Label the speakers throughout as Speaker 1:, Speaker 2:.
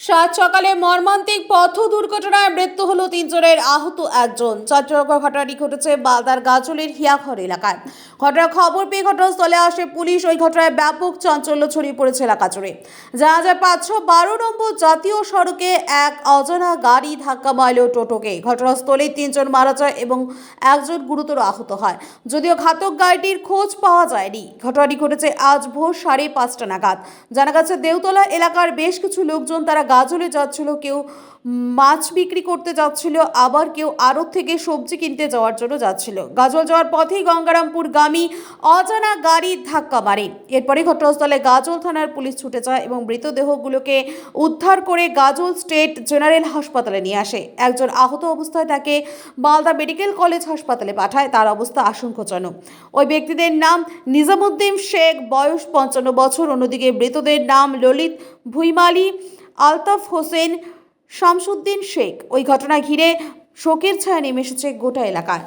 Speaker 1: সাত সকালে মর্মান্তিক পথ দুর্ঘটনায় মৃত্যু হলো তিনজনের, আহত একজন। চাঞ্চল্যকর ঘটনাটি ঘটেছে মালদার গাজলের হিয়াঘর এলাকায়। ঘটনার খবর পেয়ে ঘটনাস্থলে আসে পুলিশ। ওই ঘটনায় ব্যাপক চাঞ্চল্য ছড়িয়ে পড়েছে এলাকা জুড়ে। জানা যায় 512 নম্বর জাতীয় সড়কে এক অজানা গাড়ি ধাক্কা মারল টোটোকে। ঘটনাস্থলেই তিনজন মারা যায় এবং একজন গুরুতর আহত হয়। যদিও ঘাতক গাড়িটির খোঁজ পাওয়া যায়নি। ঘটনাটি ঘটেছে আজ ভোর 5:30 নাগাদ। জানা গেছে দেউতলা এলাকার বেশ কিছু লোকজন তারা গাজলে যাচ্ছিল। কেউ মাছ বিক্রি করতে যাচ্ছিল, আবার কেউ আড়ত থেকে সবজি কিনতে যাওয়ার জন্য যাচ্ছিল। গাজল যাওয়ার পথেই গঙ্গারামপুর গামী অজানা গাড়ি ধাক্কা মারে। এরপরে ঘটনাস্থলে গাজল থানার পুলিশ ছুটে যায় এবং মৃতদেহগুলোকে উদ্ধার করে গাজল স্টেট জেনারেল হাসপাতালে নিয়ে আসে। একজন আহত অবস্থায় তাকে মালদা মেডিকেল কলেজ হাসপাতালে পাঠায়। তার অবস্থা আশঙ্কাজনক। ওই ব্যক্তিদের নাম নিজামুদ্দিন শেখ, বয়স 55 বছর। অন্যদিকে মৃতদের নাম ললিত ভুইমালি, আলতাফ হোসেন, শামসুদ্দিন শেখ। ওই ঘটনা ঘিরে শোকের ছায়া নেমে এসেছে গোটা এলাকায়।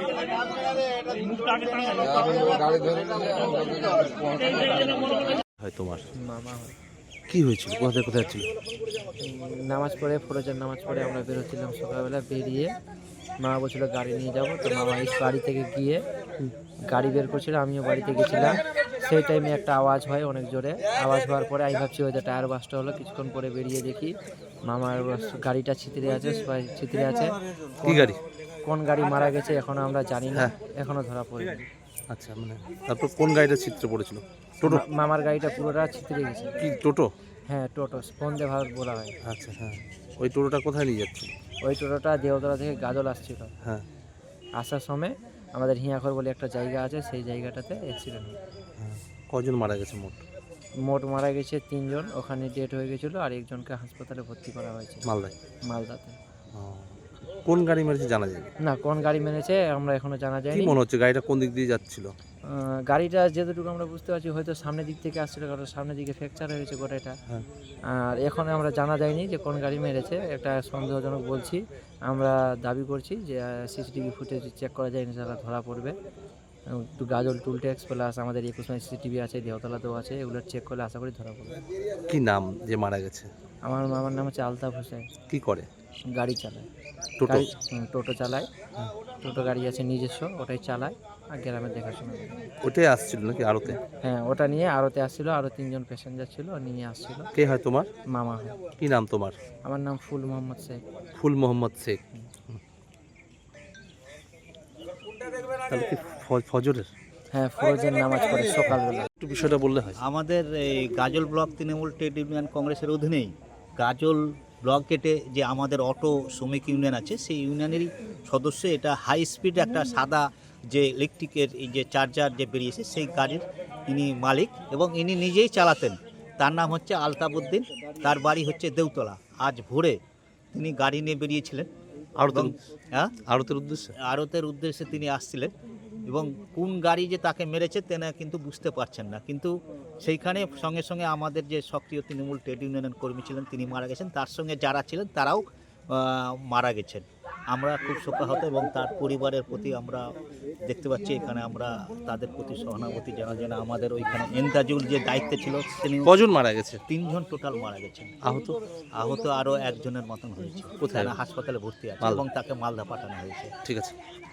Speaker 2: তোমার
Speaker 3: মামা হয়।
Speaker 2: কি হয়েছিল? কোথায় কোথায় ছিল?
Speaker 3: নামাজ পড়ে, ফরজের নামাজ পড়ে আমরা বেরোচ্ছিলাম সকালবেলা। বেরিয়ে মামা বলছিল গাড়ি নিয়ে যাবো, তো মামা এই বাড়ি থেকে গিয়ে গাড়ি বের করছিল, আমিও বাড়িতে গেছিলাম। সেই টাইমে একটা আওয়াজ হয় অনেক জোরে। আওয়াজ হওয়ার পরে আমি ভাবছি হয়তো টায়ার বাসটা হলো। কিছুক্ষণ পরে বেরিয়ে দেখি মামার গাড়িটা ছিতরে আছে, সবাই ছিতরে আছে।
Speaker 2: কি গাড়ি?
Speaker 3: কোন গাড়ি মারা গেছে এখনো আমরা জানি না,
Speaker 2: হ্যাঁ।
Speaker 3: এখনো ধরা পড়েনি।
Speaker 2: আচ্ছা, মানে তারপর কোন গাড়িটা চিত্র পড়েছিল? টোটো?
Speaker 3: মামার গাড়িটা পুরোটা ছিতরে গেছে।
Speaker 2: কি টোটো?
Speaker 3: হ্যাঁ, টোটো, বন্দে ভারত বলা হয়।
Speaker 2: আচ্ছা, হ্যাঁ। ওই টোটোটা কোথায় নিয়ে যাচ্ছিল?
Speaker 3: ওই টোটোটা দেওতলা থেকে গাজল আসছিল।
Speaker 2: হ্যাঁ,
Speaker 3: আসার সময় আমাদের হিয়াঘর বলে একটা জায়গা আছে, সেই জায়গাটাতে অ্যাক্সিডেন্ট হয়।
Speaker 2: হ্যাঁ। কজন মারা গেছে মোট?
Speaker 3: মোট মারা গেছে 3 জন, ওখানে ডেট হয়ে গেছিলো। আর একজনকে হাসপাতালে ভর্তি করা হয়েছে
Speaker 2: মালদায়?
Speaker 3: মালদাতে।
Speaker 2: ও, কোন গাড়ি মেরেছে জানা যায়?
Speaker 3: না, কোন গাড়ি মেরেছে আমরা এখনো জানা
Speaker 2: কি
Speaker 3: যায়নি।
Speaker 2: মনে হচ্ছে গাড়িটা কোন দিক দিয়ে যাচ্ছিল?
Speaker 3: গাড়িটা যেটুকু আমরা বুঝতে পারছি হয়তো সামনের দিক থেকে আসছিল, কারণ সামনের দিকে ফ্র্যাকচার হয়েছে গোটাটা।
Speaker 2: হ্যাঁ।
Speaker 3: আর এখন আমরা জানা যায়নি যে কোন গাড়ি মেরেছে। একটা সন্দেহজনক বলছি। আমরা দাবি করছি যে সিসিটিভি ফুটেজ চেক করা যায়, ইনশাআল্লাহ ধরা পড়বে। একটু গাজল টুল ট্যাক্স প্লাস আমাদের 21 মাইল সিসিটিভি আছে, দেওতলাতেও আছে, এগুলো চেক করলে আশা করি ধরা পড়বে।
Speaker 2: কি নাম যে মারা গেছে?
Speaker 3: আমার মামার নাম হচ্ছে আলতাফ হোসেন।
Speaker 2: কি করে?
Speaker 3: গাড়ি চালায়,
Speaker 2: টোটো?
Speaker 3: টোটো চালায়। টোটো গাড়ি আছে নিজস্ব, ওটাই চালায় আর গ্রামে দেখাশোনা করে।
Speaker 2: ওটাই আসছিল নাকি আড়তে?
Speaker 3: হ্যাঁ, ওটা নিয়ে আড়তে আসছিল, আরও 3 জন প্যাসেঞ্জার ছিল, নিয়ে আসছিল।
Speaker 2: কে হয় তোমার?
Speaker 3: মামা হয়।
Speaker 2: কি নাম তোমার?
Speaker 3: আমার নাম ফুল মোহাম্মদ শেখ।
Speaker 2: ফুল মোহাম্মদ শেখ। তাহলে কি ফজরের?
Speaker 3: হ্যাঁ, ফরজের নামাজ পড়ে সকালবেলা।
Speaker 2: একটু বিষয়টা বললে হয়।
Speaker 4: আমাদের এই গাজল ব্লক তৃণমূল ট্রেড ইউনিয়ন কংগ্রেসের অধীনেই গাজল ব্লক গেটে যে আমাদের অটো শ্রমিক ইউনিয়ন আছে, সেই ইউনিয়নেরই সদস্য। এটা হাই স্পিড একটা সাদা যে ইলেকট্রিকের এই যে চার্জার যে বেরিয়েছে, সেই গাড়ির ইনি মালিক এবং ইনি নিজেই চালাতেন। তার নাম হচ্ছে আলতাফ উদ্দিন, তার বাড়ি হচ্ছে দেউতলা। আজ ভোরে তিনি গাড়ি নিয়ে বেরিয়েছিলেন
Speaker 2: আড়তের উদ্দেশ্যে।
Speaker 4: আড়তের উদ্দেশ্যে তিনি আসছিলেন এবং কোন গাড়ি যে তাকে মেরেছে তেনা কিন্তু বুঝতে পারছেন না। কিন্তু সেইখানে সঙ্গে সঙ্গে আমাদের যে সক্রিয় তৃণমূল ট্রেড ইউনিয়নের কর্মী ছিলেন তিনি মারা গেছেন, তার সঙ্গে যারা ছিলেন তারাও মারা গেছেন। আমরা খুব শোকাহত এবং তার পরিবারের প্রতি আমরা দেখতে পাচ্ছি এখানে আমরা তাদের প্রতি সহানুভূতি জানার জন্য আমাদের ওইখানে এন্তাজুল যে দায়িত্বে ছিল তিনি।
Speaker 2: কজন মারা গেছে?
Speaker 4: 3 জন টোটাল মারা গেছেন। আহত আরও 1 জনের মতন হয়েছে।
Speaker 2: কোথায়?
Speaker 4: হাসপাতালে ভর্তি আছে এবং তাকে মালদা পাঠানো হয়েছে।
Speaker 2: ঠিক আছে।